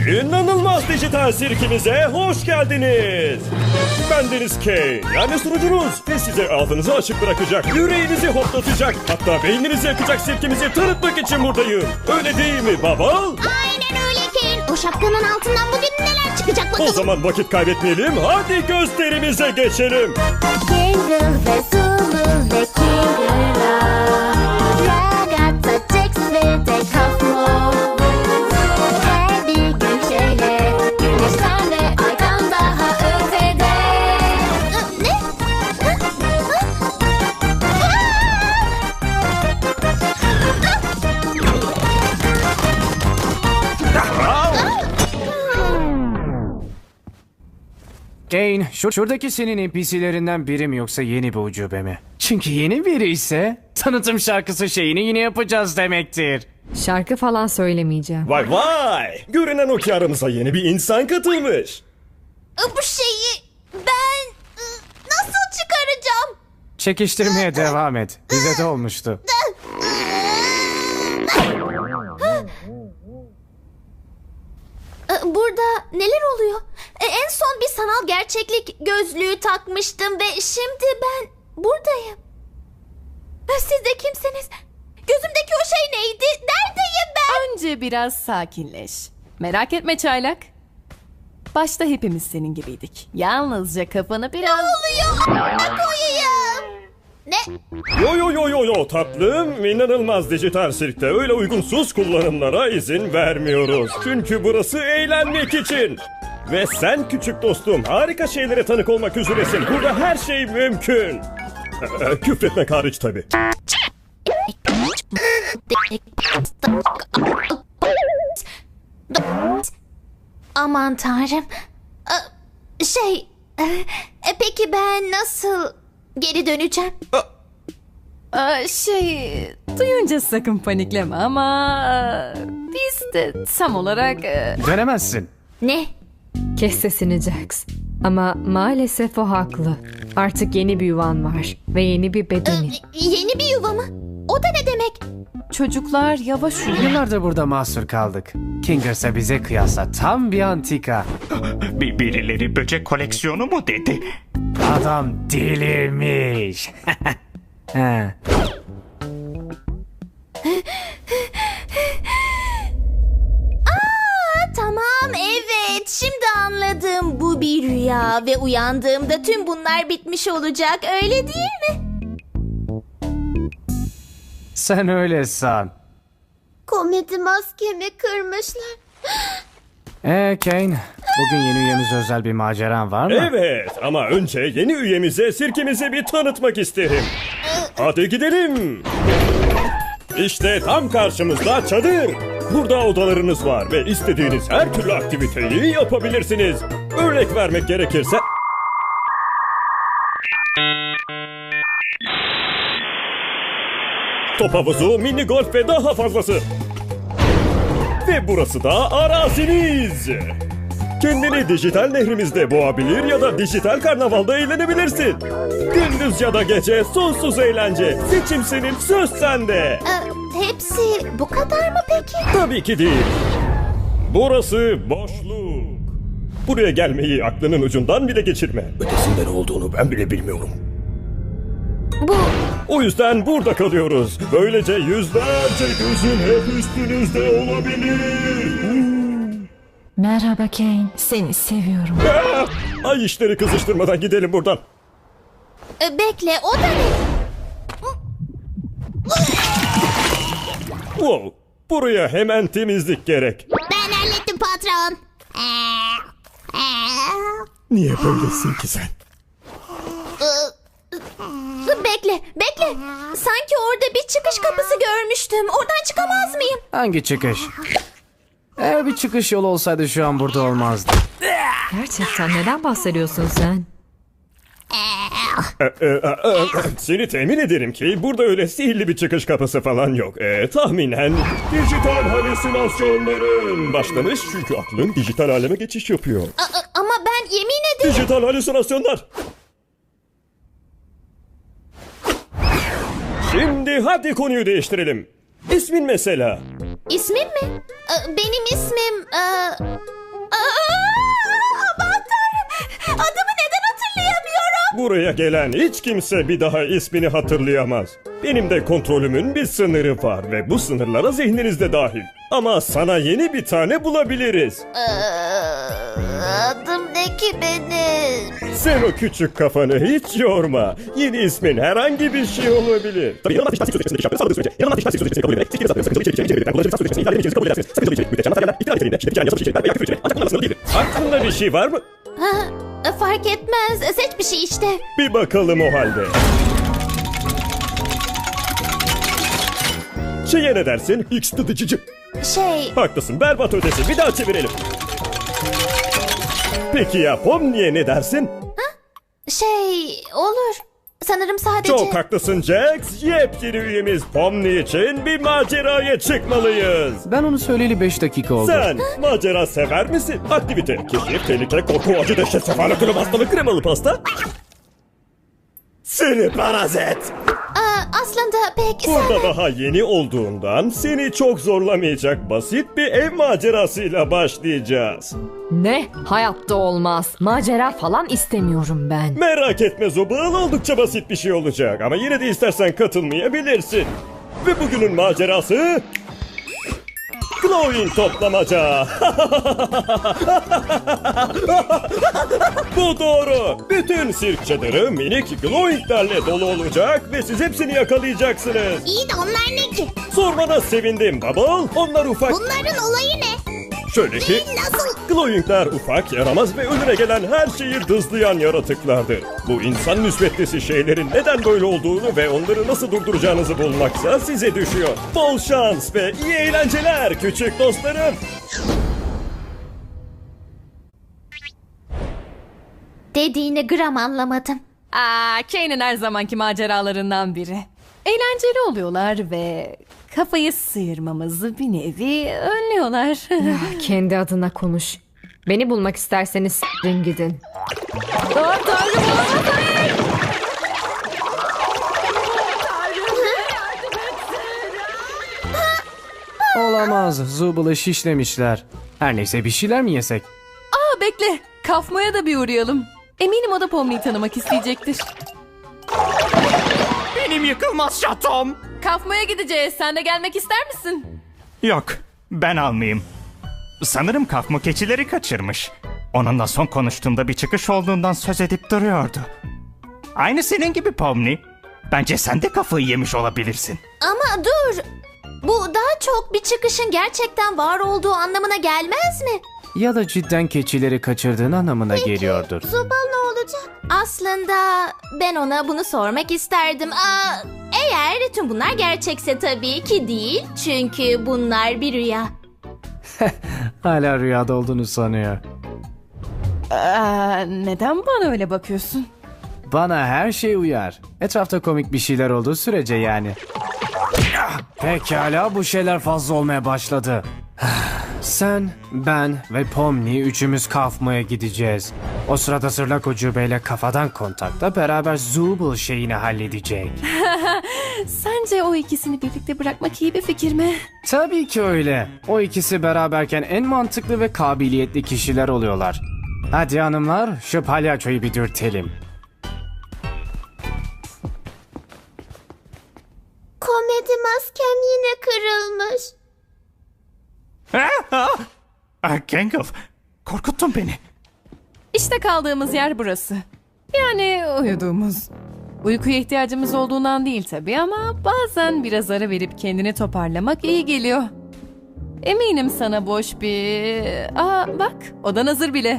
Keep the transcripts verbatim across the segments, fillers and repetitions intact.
İnanılmaz dijital sirkimize hoş geldiniz. Ben Deniz K, yani sunucunuz ve size ağzınızı açık bırakacak, yüreğinizi hoplatacak, hatta beyninizi yakacak sirkimizi tanıtmak için buradayım. Öyle değil mi baba? Aynen öyle Kane. O şapkanın altından bugün neler çıkacak bakalım. O zaman vakit kaybetmeyelim, hadi gösterimize geçelim. Jingle ve Zulu ve Kingula, Ragazza, Jax ve de Kafmo. Her bir gün şöyle güneşten ve aydan daha ötede. Ne? Kane, şu, şuradaki senin N P C'lerinden biri mi yoksa yeni bir ucube mi? Çünkü yeni biri ise tanıtım şarkısı şeyini yine yapacağız demektir. Şarkı falan söylemeyeceğim. Vay vay! Görünen o ki aramıza yeni bir insan katılmış. Bu şeyi ben ı, nasıl çıkaracağım? Çekiştirmeye devam et. Bize de olmuştu. Burada neler oluyor? E, En son bir sanal gerçeklik gözlüğü takmıştım ve şimdi ben buradayım. E, Siz de kimsiniz? Gözümdeki o şey neydi? Neredeyim ben? Önce biraz sakinleş. Merak etme çaylak. Başta hepimiz senin gibiydik. Yalnızca kafanı biraz... Oluyor. Ne koyayım? Ne? Yo yo yo yo yo tatlım, inanılmaz dijital sirkte öyle uygunsuz kullanımlara izin vermiyoruz. Çünkü burası eğlenmek için. Ve sen küçük dostum harika şeylere tanık olmak üzeresin. Burada her şey mümkün. Ee, Küfretmek hariç tabii. Aman tanrım. E, Şey, e, e, peki ben nasıl geri döneceğim? Aa, şey... Duyunca sakın panikleme ama... e, Biz de tam olarak... e, Dönemezsin. Ne? Kes sesini Jax. Ama maalesef o haklı. Artık yeni bir yuvan var. Ve yeni bir bedenin. Yeni bir yuva mı? O da ne demek? Çocuklar yavaş uyuyun. Yıllardır burada mahsur kaldık. Kingers'a bize kıyasla tam bir antika. Bir birileri böcek koleksiyonu mu dedi? Adam delirmiş. He. Aa, tamam evet şimdi anladım. Bu bir rüya ve uyandığımda tüm bunlar bitmiş olacak öyle değil mi? Sen öyle san. Komedi maskemi kırmışlar. Ee Kane, bugün yeni üyemize özel bir maceran var mı? Evet ama önce yeni üyemize sirkimizi bir tanıtmak isterim. Hadi gidelim. İşte tam karşımızda çadır. Burada odalarınız var ve istediğiniz her türlü aktiviteyi yapabilirsiniz. Örnek vermek gerekirse... Top havuzu, mini golf ve daha fazlası. Ve burası da araziniz. Kendini dijital nehrimizde boğabilir ya da dijital karnavalda eğlenebilirsin. Gündüz ya da gece sonsuz eğlence. Seçim senin, söz sende. Ee, hepsi bu kadar mı peki? Tabii ki değil. Burası boşluk. Buraya gelmeyi aklının ucundan bile geçirme. Ötesinde ne olduğunu ben bile bilmiyorum. Bu O yüzden burada kalıyoruz. Böylece yüzlerce gözün hep üstünüzde olabilir. Merhaba Kane, seni seviyorum. Ah! Ay işleri kızıştırmadan gidelim buradan. e, bekle o da ne? Wow, buraya hemen temizlik gerek. Ben hallettim patron. Niye böylesin ki sen? Bekle, bekle. Sanki orada bir çıkış kapısı görmüştüm. Oradan çıkamaz mıyım? Hangi çıkış? Eğer bir çıkış yolu olsaydı şu an burada olmazdı. Gerçekten neden bahsediyorsun sen? Ee, e, e, e, Seni temin ederim ki burada öyle sihirli bir çıkış kapısı falan yok. Ee, tahminen dijital halüsinasyonların başlamış çünkü aklın dijital aleme geçiş yapıyor. A- a- ama ben yemin ederim. Dijital halüsinasyonlar. Şimdi hadi konuyu değiştirelim. İsmin mesela. İsmim mi? Ee, Benim ismim... e, buraya gelen hiç kimse bir daha ismini hatırlayamaz. Benim de kontrolümün bir sınırı var ve bu sınırlara zihniniz de dahil. Ama sana yeni bir tane bulabiliriz. Adım ne ki benim? Sen o küçük kafanı hiç yorma. Yeni ismin herhangi bir şey olabilir. Aklında bir şey var mı? Ha, fark etmez. Seç bir şey işte. Bir bakalım o halde. Şeye ne dersin? X tıdıcıcı. Şey, Haklısın, berbat ötesi. Bir daha çevirelim. Peki ya Pomni'ye ne dersin? şey olur. Sanırım sadece... Çok haklısın Jax. Yepyeni üyemiz Pomni için bir maceraya çıkmalıyız. Ben onu söyleyeli beş dakika oldu. Sen macera sever misin? Aktivite, keşif, tehlike, korku, acı, dehşet, sefalet, ölüm, hastalık, kremalı pasta. Seni parazit. Aa, aslında pek Burada sevmem. daha yeni olduğundan seni çok zorlamayacak basit bir ev macerasıyla başlayacağız. Ne? Hayatta olmaz. Macera falan istemiyorum ben. Merak etme Zobal, oldukça basit bir şey olacak ama yine de istersen katılmayabilirsin. Ve bugünün macerası... Glowing toplamaca. Bu doğru. Bütün sirk çadırı minik glowinglerle dolu olacak ve siz hepsini yakalayacaksınız. İyi de onlar ne ki? Sormana sevindim Bubble. Onlar ufak... Bunların olayı ne? Şöyle ki... Nasıl? Glowingler ufak, yaramaz ve önüne gelen her şeyi dızlayan yaratıklardır. Bu insan müsbetlisi şeylerin neden böyle olduğunu ve onları nasıl durduracağınızı bulmaksa size düşüyor. Bol şans ve iyi eğlenceler küçük dostlarım. Dediğini gram anlamadım. Aa, Kane'in her zamanki maceralarından biri. Eğlenceli oluyorlar ve kafayı sıyırmamızı bir nevi önlüyorlar. Kendi adına konuş. Beni bulmak isterseniz s**rin gidin. Aa, Tanrım olamaz, hayır! Olamaz. Zubal'ı şişlemişler. Her neyse bir şeyler mi yesek? Aa, bekle. Kafmo'ya da bir uğrayalım. Eminim o da Pomni'yi tanımak isteyecektir. Benim yıkılmaz şatom. Kafmo'ya gideceğiz. Sen de gelmek ister misin? Yok, ben almayayım. Sanırım kafmo keçileri kaçırmış. Onunla son konuştuğumda bir çıkış olduğundan söz edip duruyordu. Aynı senin gibi Pomni. Bence sen de kafayı yemiş olabilirsin. Ama dur. Bu daha çok bir çıkışın gerçekten var olduğu anlamına gelmez mi? Ya da cidden keçileri kaçırdığın anlamına geliyordur. Zubal ne olacak? Aslında ben ona bunu sormak isterdim. Aa, eğer tüm bunlar gerçekse tabii ki değil. Çünkü bunlar bir rüya. Hala rüyada olduğunu sanıyor. Aa, neden bana öyle bakıyorsun? Bana her şey uyar. Etrafta komik bir şeyler olduğu sürece yani. Ah, pekala, bu şeyler fazla olmaya başladı. Sen, ben ve Pomni üçümüz kafmaya gideceğiz. O sırada Sırlak Ucube'yle kafadan kontakta beraber Zubul şeyini halledecek. Sence o ikisini birlikte bırakmak iyi bir fikir mi? Tabii ki öyle. O ikisi beraberken en mantıklı ve kabiliyetli kişiler oluyorlar. Hadi hanımlar, şu palyaçoyu bir dürtelim. Komedi maskem yine kırılmış. Ah, Gangle, korkuttun beni. İşte kaldığımız yer burası. Yani uyuduğumuz. Uykuya ihtiyacımız olduğundan değil tabii ama bazen biraz ara verip kendini toparlamak iyi geliyor. Eminim sana boş bir... Aa bak, odan hazır bile.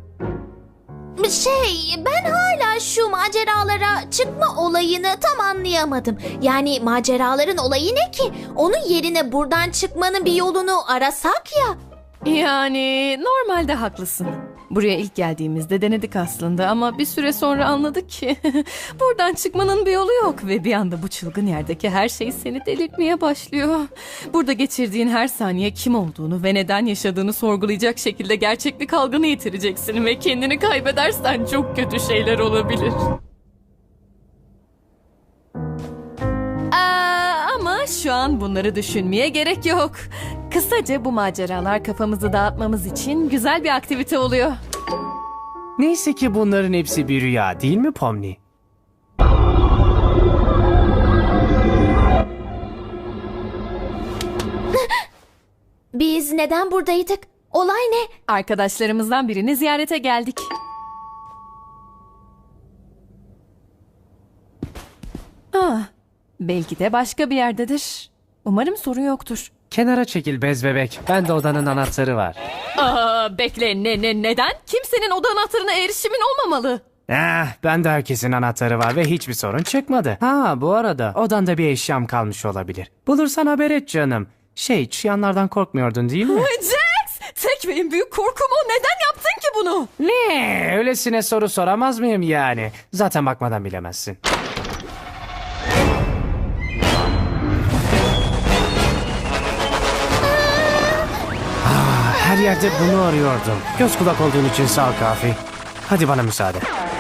Şey, ben hala şu maceralara çıkma olayını tam anlayamadım. Yani maceraların olayı ne ki? Onun yerine buradan çıkmanın bir yolunu arasak ya. Yani normalde haklısın. Buraya ilk geldiğimizde denedik aslında ama bir süre sonra anladık ki buradan çıkmanın bir yolu yok ve bir anda bu çılgın yerdeki her şey seni delirtmeye başlıyor. Burada geçirdiğin her saniye kim olduğunu ve neden yaşadığını sorgulayacak şekilde gerçeklik algını yitireceksin ve kendini kaybedersen çok kötü şeyler olabilir. Aa, ama şu an bunları düşünmeye gerek yok. Kısaca bu maceralar kafamızı dağıtmamız için güzel bir aktivite oluyor. Neyse ki bunların hepsi bir rüya değil mi Pomni? Biz neden buradaydık? Olay ne? Arkadaşlarımızdan birini ziyarete geldik. Ah, belki de başka bir yerdedir. Umarım sorun yoktur. Kenara çekil bez bebek. Bende odanın anahtarı var. Aa, bekle ne ne neden? Kimsenin oda anahtarına erişimin olmamalı. Eh, bende herkesin anahtarı var ve hiçbir sorun çıkmadı. Ha, bu arada odanda bir eşyam kalmış olabilir. Bulursan haber et canım. Şey, çıyanlardan korkmuyordun değil mi? Jax! Tek ve en büyük korkum o. Neden yaptın ki bunu? Ne? Öylesine soru soramaz mıyım yani? Zaten bakmadan bilemezsin. Ah, her yerde bunu arıyordum. Göz kulak olduğun için sağ ol Kafi. Hadi bana müsaade.